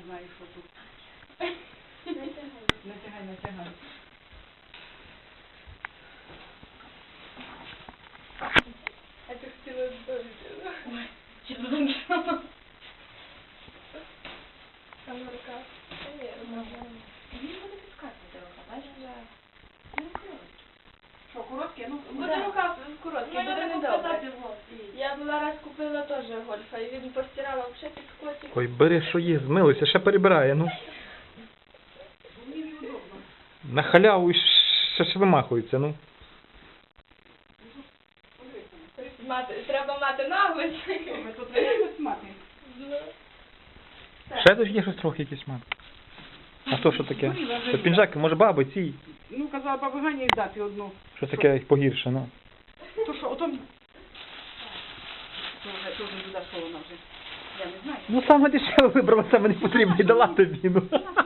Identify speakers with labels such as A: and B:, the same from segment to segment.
A: знаю, що тут. Натягай, натягай.
B: А ти хотіла здобути.
C: Ой, чи задумчила?
B: Там рука. Та ні, нормально.
C: Мені буде підказувати рука, бачиш? Ну, коротко.
A: Що, коротке? Ну,
B: Буде рука коротка, буде недобре.
C: вот.
B: Я була раз купила теж гольфа, і він постирала взагалі під котик.
D: Ой, бери, що є, змилуйся, ще перебирає, ну.
A: мені неудобно.
D: На халяву і ще ж вимахується, ну.
B: Треба мати наглость.
A: Ми тут реально смати.
D: Ще тут є щось трохи якийсь мат. А то що таке? Це пінжаки, може баби ці?
A: Ну, казала баба Ганя їй дати одну.
D: Що таке погірше, ну.
A: То що, отом... То вже туди, що вона вже. Я не знаю.
D: Ну саме дешеве вибрала, саме не потрібно і дала тобі, ну.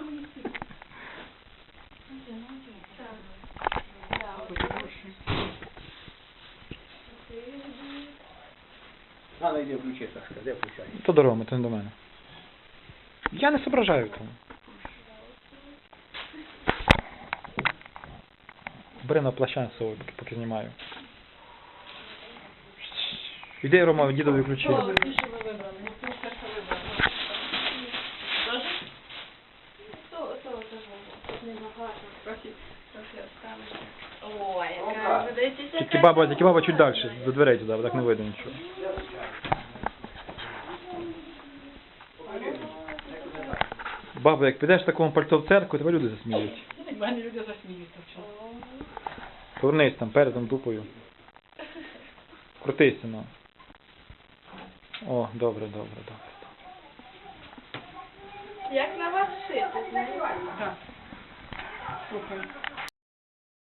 E: Надо йде включи, Сашка, де включай?
D: То до Роми, то не до мене. Я не зображаю тому. Бери на плаща з собою, поки знімаю. Іди, Рома, дідові ключі.
C: Що ви вибрали? Ну, ти все, що вибрали. Тож?
B: То теж небагато, трохи оставиш.
C: Ой,
E: яка,
B: подивіться,
D: Тільки баба чуть далі, до дверей туди, бо так не видно нічого. Баба, як підеш в такому пальто в церкву, тебе люди засміють.
C: В мене люди засміються в чому.
D: Повернись там, передом дупою. Крутися, ну. О, добре.
B: Як на вас шити, знаєте?
A: Так. Слухай.